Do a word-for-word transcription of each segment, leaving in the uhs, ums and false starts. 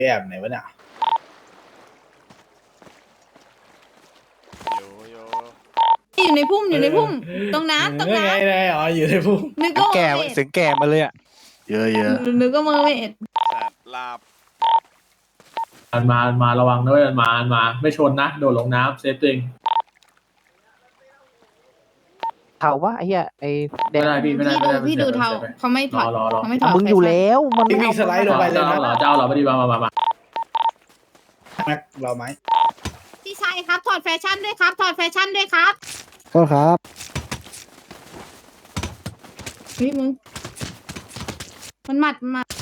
แอบไหนวะเนี่ยโยโยอยู่ในพุ่มอยู่ในพุ่มตรงน้ำตรงไงน้ำไงอ๋ออยู่ในพุ่มนึกก็แก่เมอร์เวเสียงแก่มาเลยอ่ะเยอะเยอะดนึกก็เมอร์เวดแสบลาบมันมามาระวังด้วยมันมามันมา ไม่ชนนะ โดดลงน้ำเซฟตัวเองเขาว่าไอ้เหี้ยไอ้แดไม่งได้พี่ไม่ได้พี่ไม่ดูได้พี่ดูไม่เทาได้เขาไม่ถรออดรอรอเขาไม่ถอดมึงอยู่แล้วมันพี่วิ่งสไลด์ลงไปเลยเจ้านะเหรอเจ้าเหรอไม่ดีมามามามาแม็กเราไหมพี่ชายครับถอดแฟชั่นด้วยครับถอดแฟชั่นด้วยครับก็ครับนี่มึงมันหมัดหมัด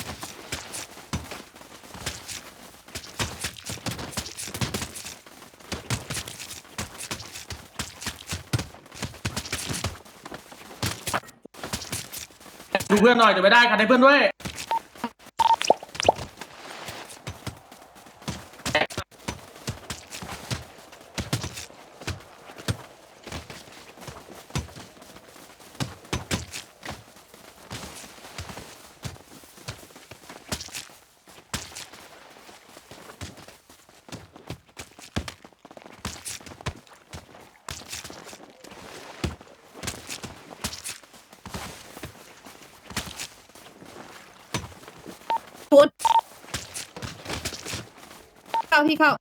ดูเพื่อนหน่อยเดี๋ยวไม่ได้คันให้เพื่อนด้วยฟุตเข้าพี่เข้า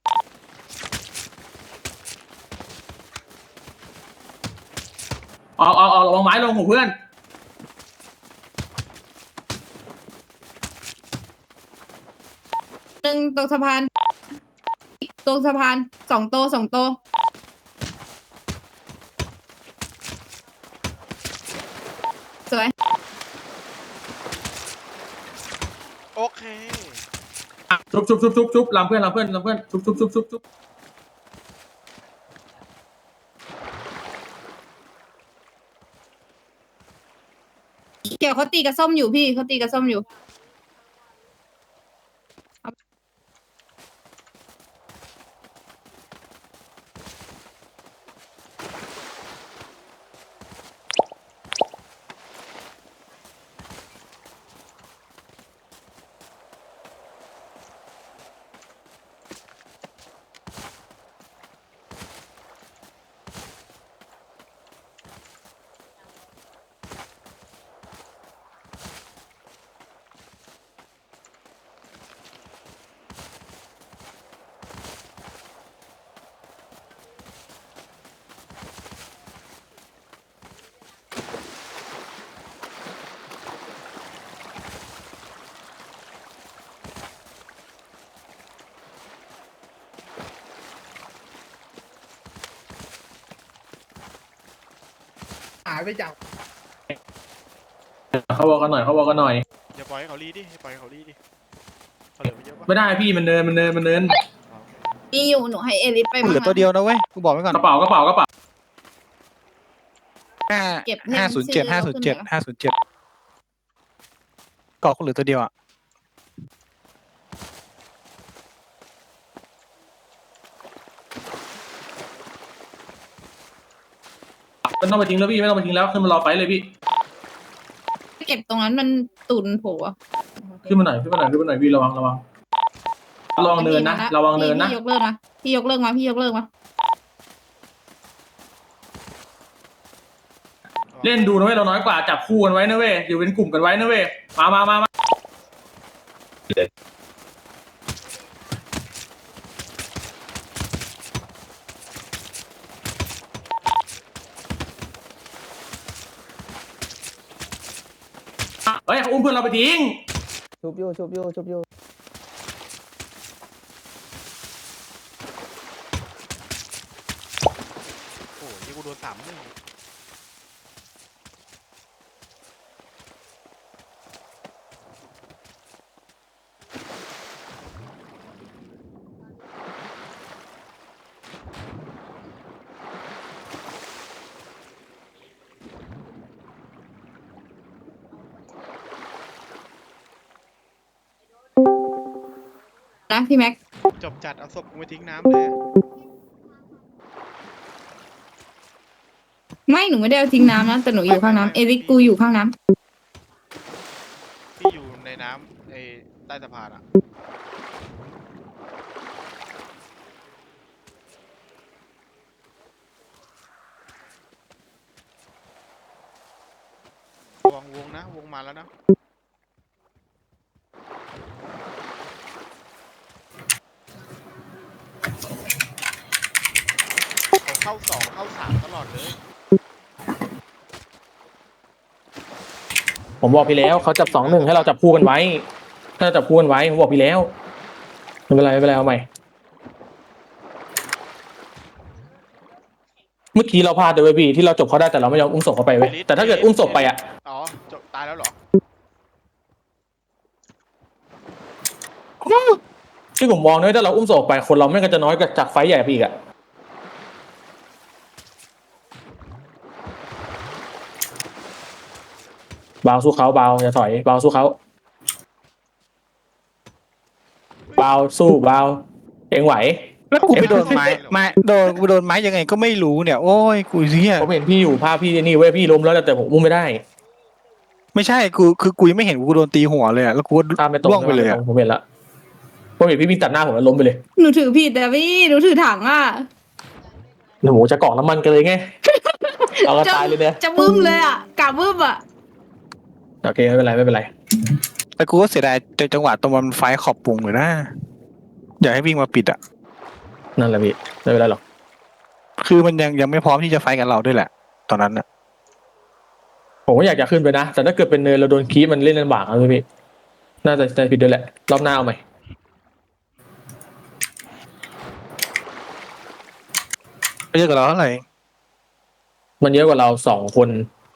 ออกออกออกระวังไม้ลงของเพื่อนหนึ่งตรงสะพานตรงสะพานสองโตสองโตสวยโอเคชุบชุบชุบชุบชุบลำเพื่อนลำเพื่อนลำเพื่อนชุบชุบชุบชุบชุบเกี่ยวเขาตีกับส้มอยู่พี่เขาตีกับส้มอยู่หายไปจากเขาบอกกันหน่อยเขาบอกกันหน่อยอย่าปล่อยให้เขารีดิอย่าปล่อยให้เขารีดิเขาเหลือไม่เยอะปะไม่ได้พี่มันเนินมันเนินมันเนินอ๋อโอเคมีอยู่หนูให้เอลิสไปเหลือตัวเดียวนะเว้ยกูบอกไว้ก่อนกระเป๋ากระเป๋ากระเป๋าห้าเก็บห้าศูนย์เจ็ดห้าศูนย์เจ็ดห้าศูนย์เจ็ดเกาะกูเหลือตัวเดียวอ่ะไม่ต้องไปทิ้งแล้วพี่ไม่ต้องไปทิ้งแล้วขึ้นมารอไฟเลยพี่เก็บตรงนั้นมันตุนโผล่อะขึ้นมาหน่อยขึ้นมาหน่อยขึ้นมาหน่อยพี่ระวังระวังระวังเนินนะระวังเนินนะพี่ยกเลิกมาพี่ยกเลิกมาพี่ยกเลิกมาเล่นดูนะเว้ยเราน้อยกว่าจับคู่กันไว้นะเว้ยอยู่เป็นกลุ่มกันไว้นะเว้ยมามามามาเฮ้ยเขาอุ้มเพื่อนเราไปทิ้งชุบโยชุบโยชุบโยโอ้ยนี่กูโดนสามหนึ่งนะพี่แม็กจบจัดเอาศพกูไปทิ้งน้ำเลยไม่หนูไม่ได้เอาทิ้งน้ำนะแต่หนูอยู่ข้างน้ำเอลิสกูอยู่ข้างน้ำพี่อยู่ในน้ำไอ้ต้สะพานอะระวังวงนะวงมาแล้วนะเขาเข้าสองเข้าสามตลอดเลยผมบอกพี่แล้วเขาจับสองหนึ่งให้เราจับคู่กันไว้ถ้าเราจับคู่กันไว้ผมบอกพี่แล้วไม่เป็นไรไม่เป็นไรเอาใหม่เมื่อกี้เราพลาดเลยเว้ยพี่ที่เราจบเขาได้แต่เราไม่ยอมอุ้มศพเขาไปเว้ยแต่ถ้าเกิดอุ้มศพไปอ่ะอ๋อจบตายแล้วเหรอที่ผมมองนะถ้าเราอุ้มศพไปคนเราไม่ก็จะน้อยกว่าจากไฟท์ใหญ่ไปอีกอ่ะเบาสู้เขาเบาอย่าถอยเบาสู้เขาเบาสู้เบาเองไหวแล้วกูไปโดนไม้ไม้โดนกูโดนไม้ยังไงก็ไม่รู้เนี่ยโอ้ยกูเฮียผมเห็นพี่อยู่ภาพพี่นี่เว้ยพี่ล้มแล้วแต่ผมอุ้มไม่ได้ไม่ใช่กูคือกูยังไม่เห็นกูโดนตีหัวเลยอะแล้วกูก็ข้ามไปตรงล่วงไปเลยอะผมเห็นละผมเห็นพี่วิ่งตัดหน้าผมแล้วล้มไปเลยหนูถือผิดแต่พี่หนูถือถังอ่ะหนูจะกรอกน้ำมันกันเลยไงเอากันตายเลยเนี่ยจะบึ้มเลยอ่ะกะบึ้มอ่ะโอเคไม่เป็นไรไม่เป็นไรแต่กูก็เสียดายจังหวะตรงมันไฟขอบปุงเลยนะอยากให้วิ่งมาปิดอะนั่นแหละพี่ไม่เป็นไรหรอกคือมันยังยังไม่พร้อมที่จะไฟกับเราด้วยแหละ ตอนนั้นอะผมก็อยากจะขึ้นไปนะแต่ถ้าเกิดเป็นเนินเราโดนคีบมันเล่นลำบากนะพี่น่าจะใจผิดด้วยแหละรอบหน้าเอาใหม่ไม่เยอะกับเราเท่าไหร่มันเยอะกว่าเราสองคน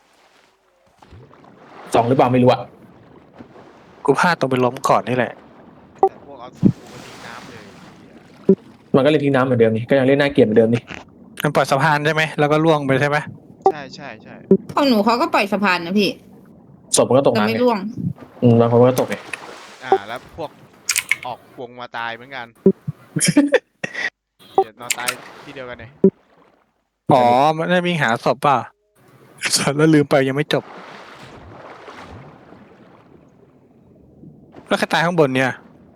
สองหรือเปล่าไม่รู้อะกูพลาดตรงไปล้มก่อนนี่แหละแต่พวกเอาศพกูมาทิ้งน้ำเลยมันก็เล่นทิ้งน้ำเหมือนเดิมนี่ก็ยังเล่นน่าเกลียดเหมือนเดิมนี่มันปล่อยสะพานใช่ไหมแล้วก็ล่วงไปใช่ไหมใช่ใช่ใช่ของหนูเขาก็ปล่อยสะพานนะพี่ศพมันก็ตกแต่น้ำไม่ไงร่วงอืมบางคนก็ตกไงอ่าแล้วพวกออกวงมาตายเหมือนกัน เดี๋ยวนอนตายที่เดียวกันเลยอ๋อมันได้วิ่งหาศพป่ะแล้วลืมไปยังไม่จบแล้วใครตายข้างบนเนี่ย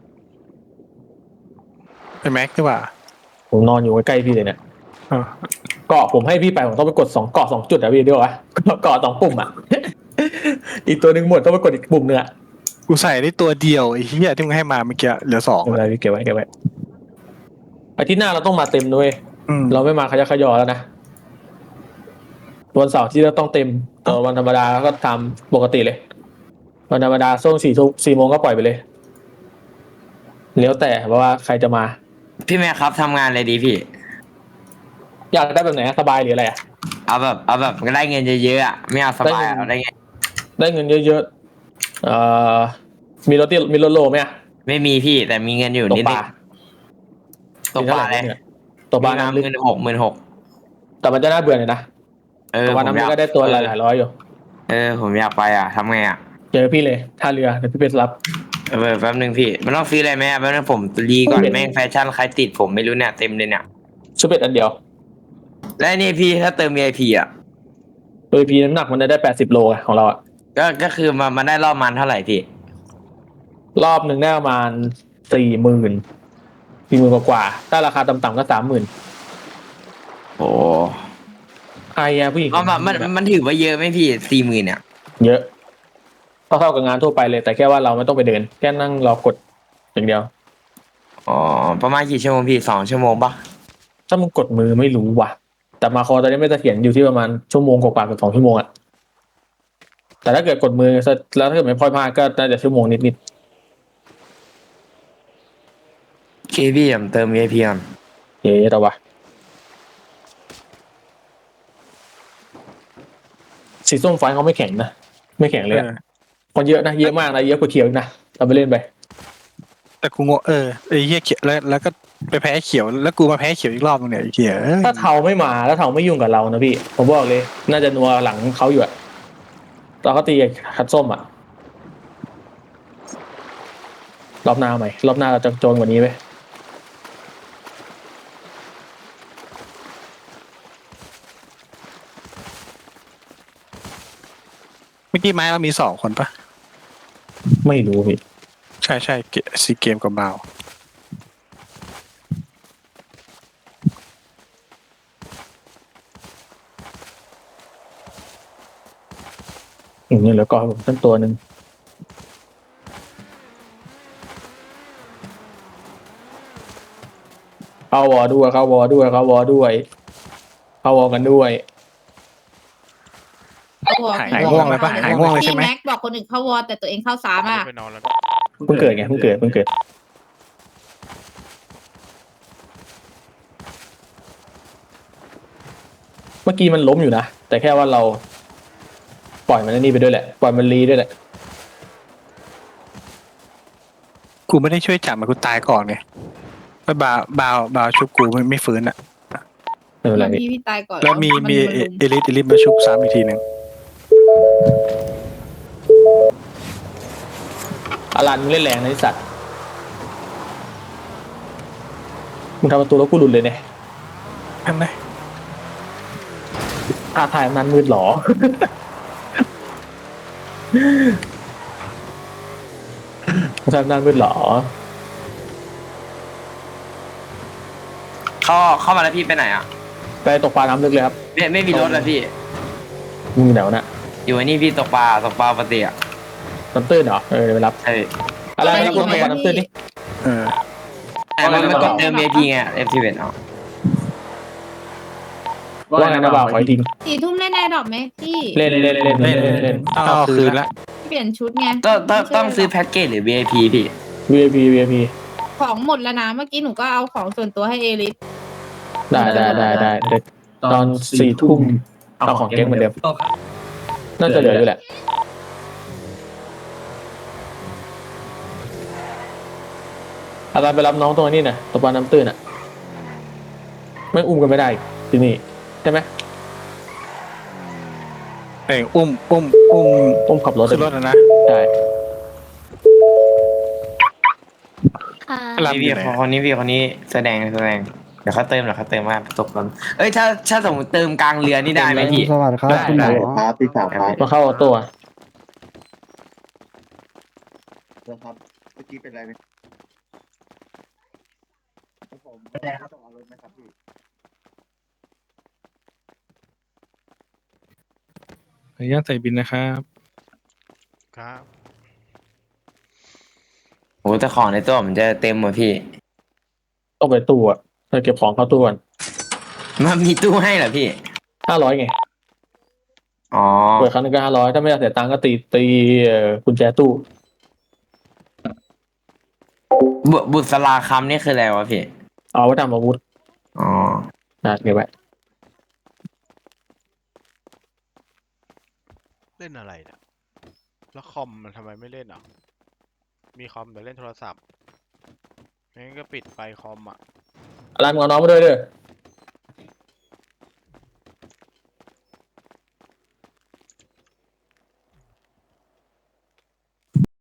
เป็นแม็กซ์หรือเปล่าผมนอนอยู่ใกล้ๆพี่เลยเนี่ยอ๋อเกาะผมให้พี่ไปผมต้องไปกดสองเกาะสองจุดอะพี่เดียววะเกาะสองปุ่มอะ อีกตัวหนึ่งหมดต้องไปกดอีกปุ่มหนึงอะกูใส่ได้ตัวเดียวไอ้เหี้ยที่มึงให้มาเมื่อกี้เหลือสองไม่เป็นไรพี่เก็บไว้เก็บไว้อาทิตย์หน้าเราต้องมาเต็มด้วยอืมเราไม่มาขยักขยอแล้วนะวันเสาร์ที่เราต้องเต็มแต่วันธรรมดาก็ทำปกติเลยวันธรรมดาช่วงสี่ทุ่มสี่โมงก็ปล่อยไปเลยแล้วแต่เพราะว่าใครจะมาพี่แม่ครับทำงานอะไรดีพี่อยากได้แบบไหนสบายหรืออะไรอะเอาแบบเอาแบบได้เงินเยอะๆอ่ะไม่เอาสบายอะเอาได้เงินได้เงินเยอะๆเอ่อมีรถที่มีรถโลไหมอะไม่มีพี่แต่มีเงินอยู่ตกนิดปนึลางตกปลาเลยตกปลาน้ำลึกหมื่นหกหมื่นหกแต่มันจะน่าเบื่อหน่อยนะเออตกปลาผมน้ำอลึกยากก็ได้ตัวหลายๆร้อยอยู่เออผมอยากไปอ่ะทำไงอ่ะเจอพี่เลยท่าเรือเดี๋ยวพี่ไปรับเออแป๊บนึงพี่มันต้องซื้ออะไรไหมอะแป๊บนึงผมรีก่อนไม่เป็นแม่งแฟชั่นใครติดผมไม่รู้เนี่ยเต็มเลยเนี่ยชุดเป็ดอันเดียวและนี่พี่ถ้าเติม วี ไอ พี อ่ะโดยพีน้ำหนักมันได้แปดสิบโลอะของเราอะก็ก็คือมามันได้รอบมันเท่าไหร่พี่รอบหนึ่งได้ประมาณสี่หมื่นสี่หมื่นกว่าๆถ้าราคาต่ำๆก็สามหมื่นโอ้ใครอะผู้หญิงก็มันมันมันถือว่าเยอะไหมพี่สี่หมื่นเนี่ยเยอะเท่าๆกับงานทั่วไปเลย แต่แค่ว่าเราไม่ต้องไปเดิน แค่นั่งรอกดอย่างเดียวอ๋อประมาณกี่ชั่วโมงพี่สองชั่วโมงปะถ้ามึงกดมือไม่รู้ว่ะ แต่มาคอตอนนี้ไม่เสถียรอยู่ที่ประมาณชั่วโมงกว่าๆเกับสองชั่วโมงอะแต่ถ้าเกิดกดมือแล้วถ้าเกิดไม่พลอยพลาดก็น่าจะชั่วโมงนิดโอเคพี่ผมเติม วี ไอ พี ก่อนๆเย้แต่ว่าสีส้มไฟเขาไม่แข็งนะไม่แข็งเลยอะคนเยอะนะเยอะมากนะเยอะกว่าเขียวอีกนะเราไปเล่นไปแต่กูงงเออไอ้เหี้ยเขียวแล้วแล้วก็ไปแพ้เขียวแล้วกูมาแพ้เขียวอีกรอบนึงเนี่ยไอ้เหี้ยเอ้ยถ้าเทาไม่มาแล้วเทาไม่ยุ่งกับเรานะพี่ผมบอกเลย น่าจะนัวหลังเขาอยู่อะตอนเขาตีคัดส้มอะรอบหน้าใหม่รอบหน้าเราจะโจนกว่านี้ไหมเมื่อกี้ไม้เรามีสองคนปะไม่รู้พี่ใช่ช่ใช่เกซีเกมกับบาวอย่างนี้เหลือก็ผมตั้งตัวหนึ่งเข้าวอด้วยเข้าวอด้วยเข้าวอด้วยเข้าวอกันด้วยเข้าวอร์หายง่วงเลยปะหายง่วงเลยใช่พี่ไหมแม็กบอกคนอื่นเข้าวอร์แต่ตัวเองเข้าสามอ่ะไปนอนแล้วเพิ่งเกิดไงเพิ่งเกิดเพิ่งเกิดเมื่อกี้มันล้มอยู่นะแต่แค่ว่าเราปล่อยมันนี่ไปด้วยแหละปล่อยมันรีด้วยแหละกูไม่ได้ช่วยจับมันกูตายก่อนไงแล้วบาวบาวบาวชุบกูไม่ไม่ฟื้นอ่ะไม่เป็นไรพี่พี่พี่ตายก่อนแล้วมีมีนเอลุมเอลิทเอลิทมาชุบซ้ำอีกทีหนึ่งอารันมึงเล่นแรงนะไอ้สัตว์มึงทำประตูแล้วกูหลุดเลยเนี่ยนั่นไงท่าทายมันมืดหรอ มึงทำนานมืดหรอเข้าเข้ามาแล้วพี่ไปไหนอ่ะไปตกปลาน้ำลึกเลยครับไม่ไม่มีรถแล้วพี่มึงอยู่ไหนวะน่ะอยู่ไอ้นี่พี่ตกปลาตกปลาปกติอ่ะน้ำตื้นเหรอเออเดี๋ยวไปรับใช่อะไรนะกูตกปลาน้ำตื้นดิเออแต่มันมันกดเติม เอ พี ไง เอฟ ที เวนเอาว่าไงนะบ่าวขออีกทีสี่ทุ่มเล่นแอร์ดรอปไหมพี่เล่นเล่นเล่นเล่นเล่นเล่นเล่นต้องเอาคืนละเปลี่ยนชุดไงต้องต้องไม่ใช่ต้องซื้อแพ็กเกจหรือ วี ไอ พี พี่วีไอพีวีไอพีของหมดแล้วนะเมื่อกี้หนูก็เอาของส่วนตัวให้เอลิสได้ได้ได้ได้เดี๋ยวตอนสี่ทุ่มเอาของเก๊งเหมือนเดิมน่าจะเหลืออยู่แหละอาจารย์ไปรับน้องตรงนี้น่ะตกปลาน้ำตื้นน่ะไม่อุ้มกันไม่ได้ที่นี่ใช่ไหมเอ้ยอุ้มอุ้มอุ้มอุ้มขับรถขึ้นรถนะนะได้หลับพี่อพี่ยู่ไหนคนนี้พี่คนนี้แสดงแสดงเดี๋ยวเขาเติมเดี๋ยวเขาเติมมาตกก่อนเอ้ยถ้าถ้าสมมติเติมกลางเรือนี่ได้ไหมพี่สวัสดีครับได้คุณหมได้อครับพี่สาวครับมาเข้าออโต้อะครับเมื่อกี้เป็นไรไหมผมแดงครับต้องเอารถไหมครับพี่ขออนุญาตใส่บินนะครับครับโอ้แต่ของในตัวมันจะเต็มหมดพี่ต้องไปตู้อะเธอเก็บของเข้าตู้ก่อนมันมีตู้ให้เหรอพี่ห้าร้อยไงอ๋อเปิดครั้งหนึงก็ห้าร้อยถ้าไม่อยากเสียตังค์ก็ตีตีเอ่อกุญแจตู้บุบุษราคำนี่คืออะไรวะพี่เอาไว้ทำอาวุธอ๋อนะเก็บไว้เล่นอะไรเนี่ยแล้วคอมมันทำไมไม่เล่นอ่ะมีคอมแต่เล่นโทรศัพท์งั้นก็ปิดไปคอมอ่ะอะไรมึงเอาน้องมาด้วยเด้อ